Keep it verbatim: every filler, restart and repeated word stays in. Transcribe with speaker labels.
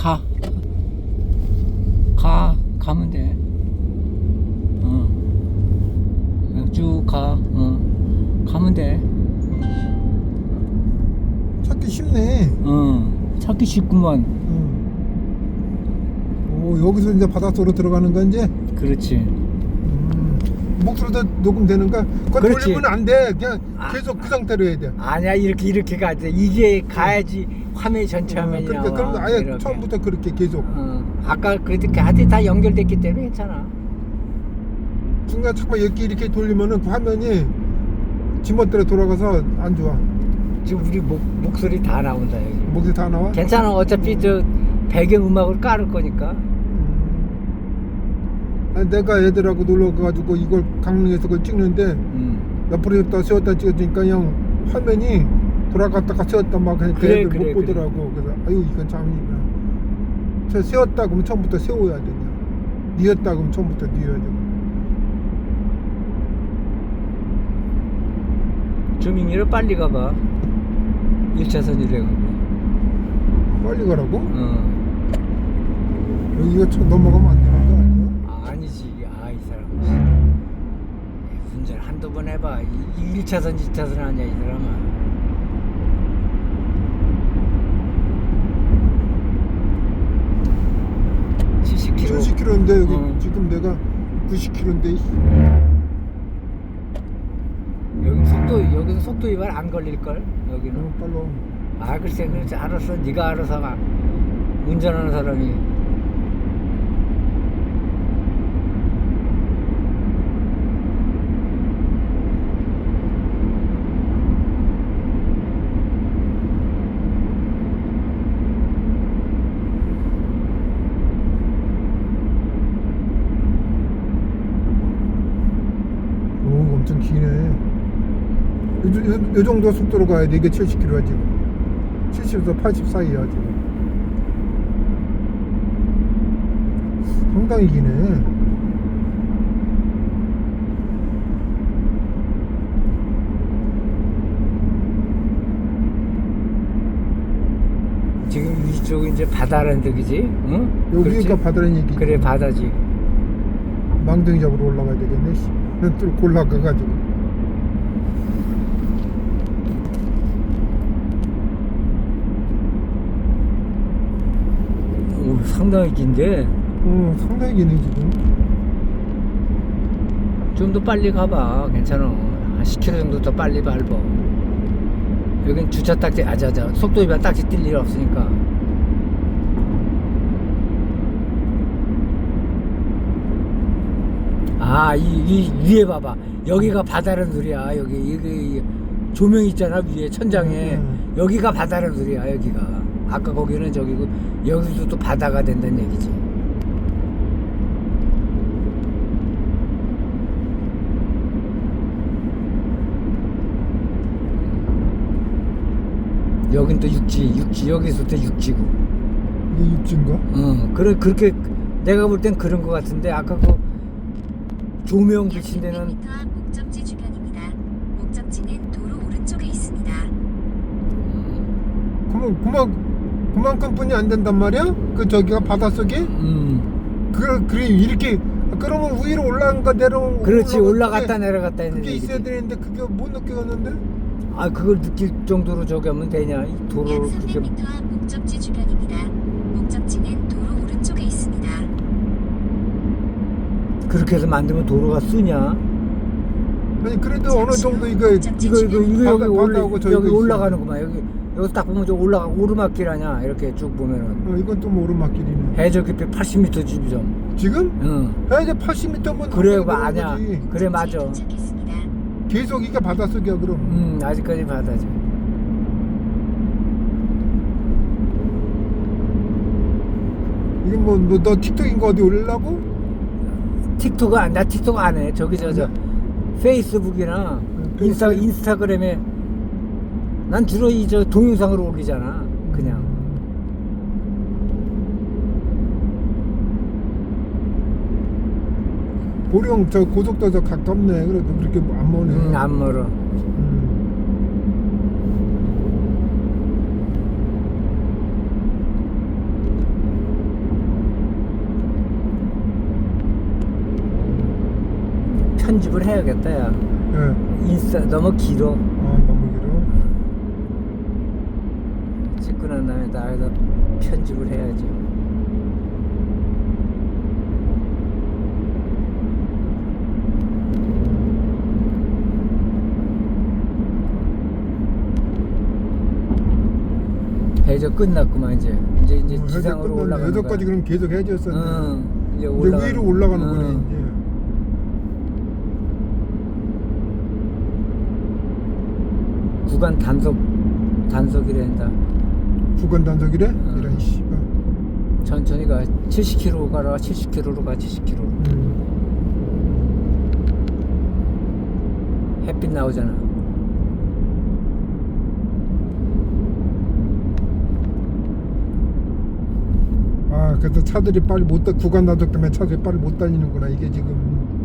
Speaker 1: 가. 가. 가면 돼. 어. 쭉 가. 어. 가면 돼.
Speaker 2: 찾기 쉽네.
Speaker 1: 어. 찾기 쉽구만.
Speaker 2: 응. 오, 여기서 이제 바닷속으로 들어가는 건 이제.
Speaker 1: 그렇지.
Speaker 2: 음, 목소리도 녹음되는가? 그거
Speaker 1: 그렇지.
Speaker 2: 돌리면 안 돼. 그냥
Speaker 1: 아,
Speaker 2: 계속 그 상태로 해야 돼.
Speaker 1: 아니야, 이렇게 이렇게 가야 돼. 이게 가야지 화면이 전체
Speaker 2: 어,
Speaker 1: 화면이
Speaker 2: 그러니까
Speaker 1: 나와.
Speaker 2: 그럼 아예
Speaker 1: 이렇게.
Speaker 2: 처음부터 그렇게 계속.
Speaker 1: 어. 아까 그렇게 하여튼 다 연결됐기 때문에 괜찮아.
Speaker 2: 중간 잠깐 이렇게 이렇게 돌리면은 그 화면이 지멋대로 돌아가서 안 좋아.
Speaker 1: 지금 우리 목, 목소리 다 나온다 여기.
Speaker 2: 목이 다 나와?
Speaker 1: 괜찮아. 어차피 저 배경 음악을 깔을 거니까.
Speaker 2: 음. 아니, 내가 애들하고 놀러 가가지고 이걸 강릉에서 그걸 찍는데
Speaker 1: 음.
Speaker 2: 옆으로 다 세웠다 찍어주니까 그냥 화면이 돌아갔다가 세웠다 막 그러니까
Speaker 1: 그래,
Speaker 2: 애들
Speaker 1: 그래,
Speaker 2: 못 보더라고. 그래서 아유 이건 참 저 세웠다 그러면 처음부터 세워야 되냐, 뉘었다 그러면 처음부터 뉘어야 되고.
Speaker 1: 조민이를 빨리 가봐. 일 차선이래 가고.
Speaker 2: 빨리 가라고?
Speaker 1: 어.
Speaker 2: 여기가 쳐 넘어가면 안 되는 거 아니야?
Speaker 1: 아, 아니지. 아, 이 사람. 운전 한두 번 해봐. 이 일 차선, 이 차선 아니야, 이 사람아. 칠십 킬로미터.
Speaker 2: 칠십 킬로미터인데 여기
Speaker 1: 어.
Speaker 2: 지금 내가 구십 킬로미터인데.
Speaker 1: 여기 속도, 여기서 속도 위반 안 걸릴걸? 여기는.
Speaker 2: 어, 빨로.
Speaker 1: 아, 글쎄, 그렇지. 알았어. 네가 알아서 가. 운전하는 사람이.
Speaker 2: 오, 엄청 기네. 요, 요, 요 정도 속도로 가야 돼. 이게 칠십 킬로미터야 지금. 칠십에서 팔십 사이야 지금. 상당히 기네.
Speaker 1: 지금 이쪽은 이제 바다라는 데이지? 응?
Speaker 2: 여기가
Speaker 1: 그렇지?
Speaker 2: 바다라는 얘기.
Speaker 1: 그래, 바다지.
Speaker 2: 망둥이 잡으러 올라가야 되겠네. 씨. 또 골라가가지고.
Speaker 1: 오, 상당히 긴데.
Speaker 2: 어, 상당히 기네 지금.
Speaker 1: 좀 더 빨리 가봐. 괜찮아. 한 십 킬로미터 정도 더 빨리 밟아. 여긴 주차 딱지, 아자자. 속도 위반 딱지 뛸 일 없으니까. 아, 이, 이 위에 봐봐. 여기가 바다라는 소리야. 여기, 여기 조명 있잖아. 위에 천장에.
Speaker 2: 음.
Speaker 1: 여기가 바다라는 소리야. 여기가. 아까 거기는 저기고, 여기도 또 바다가 된다는 얘기지. 여긴 또 육지, 육지, 여기서부터 육지고.
Speaker 2: 이게 육지인가?
Speaker 1: 어, 그래, 그렇게, 내가 볼 땐 그런 것 같은데, 아까 그 조명 비친 데는,
Speaker 3: 약 육백 미터 앞 목적지 주변입니다. 목적지는 도로 오른쪽에 있습니다.
Speaker 2: 그만 그만 그만큼뿐이 안 된단 말이야? 그 저기가 바닷속에?
Speaker 1: 음,
Speaker 2: 그 그래 이렇게 그러면 위로 올라간가 내려온
Speaker 1: 그렇지,
Speaker 2: 올라간
Speaker 1: 올라갔다
Speaker 2: 그게-
Speaker 1: 내려갔다 했는
Speaker 2: 그게 있어야
Speaker 1: 얘기지.
Speaker 2: 되는데 그게 못 느꼈는데?
Speaker 1: 아, 그걸 느낄 정도로 저기 하면 되냐? 이
Speaker 3: 약
Speaker 1: 도로를
Speaker 3: 삼백
Speaker 1: 그렇게.
Speaker 3: 미터 앞 목적지 주변입니다. 목적지는 도로 오른쪽에 있습니다.
Speaker 1: 그렇게 해서 만들면 도로가 쓰냐?
Speaker 2: 아니 그래도 어느 정도 이거
Speaker 1: 이거, 이거, 이거 여기
Speaker 2: 바다-
Speaker 1: 올라,
Speaker 2: 바다하고 저기가
Speaker 1: 여기
Speaker 2: 있어.
Speaker 1: 올라가는구만. 여기, 여기 딱 보면 저 올라가, 오르막길 아냐? 이렇게 쭉 보면은.
Speaker 2: 어, 이건 또 뭐 오르막길이네.
Speaker 1: 해저 깊이 팔십 미터 지점.
Speaker 2: 지금?
Speaker 1: 응.
Speaker 2: 야 이제 팔십 미터면
Speaker 1: 그래, 봐, 아냐. 그래, 맞아.
Speaker 3: 도착했습니다.
Speaker 2: 계속 이게 바닷속이야 그럼.
Speaker 1: 음, 아직까지 바다지.
Speaker 2: 이건 뭐너 너 틱톡인가 어디 올리려고?
Speaker 1: 틱톡 안, 나 틱톡 안 해. 저기 저 저 페이스북이나 인스타
Speaker 2: 페이스북.
Speaker 1: 인스타그램에 난 주로 이 저 동영상으로 올리잖아. 그냥.
Speaker 2: 보령 저 고속도로 저 가깝네. 그래도 그렇게 안 머네.
Speaker 1: 음, 안 멀어.
Speaker 2: 음.
Speaker 1: 편집을 해야겠다 야.
Speaker 2: 예.
Speaker 1: 인스타 너무 길어.
Speaker 2: 아 너무 길어.
Speaker 1: 찍고 난 다음에 나에다 편집을 해야지. 해저 끝났구만 이제. 이제 이제
Speaker 2: 어,
Speaker 1: 지상으로
Speaker 2: 해저
Speaker 1: 올라가는 거야.
Speaker 2: 여기까지 그럼 계속 해지였었네.
Speaker 1: 응. 이제
Speaker 2: 이제
Speaker 1: 올라가.
Speaker 2: 위로 올라가는 거네
Speaker 1: 응.
Speaker 2: 이제.
Speaker 1: 구간 단속 단속이란다.
Speaker 2: 구간 단속이래?
Speaker 1: 응.
Speaker 2: 이런 씨발.
Speaker 1: 천천히 가. 칠십 킬로미터로 가라. 칠십 킬로미터로 가. 칠십 킬로미터로.
Speaker 2: 음.
Speaker 1: 햇빛 나오잖아.
Speaker 2: 아, 그래서 차들이 빨리 못 달, 구간 단속 때문에 차들이 빨리 못 달리는구나. 이게 지금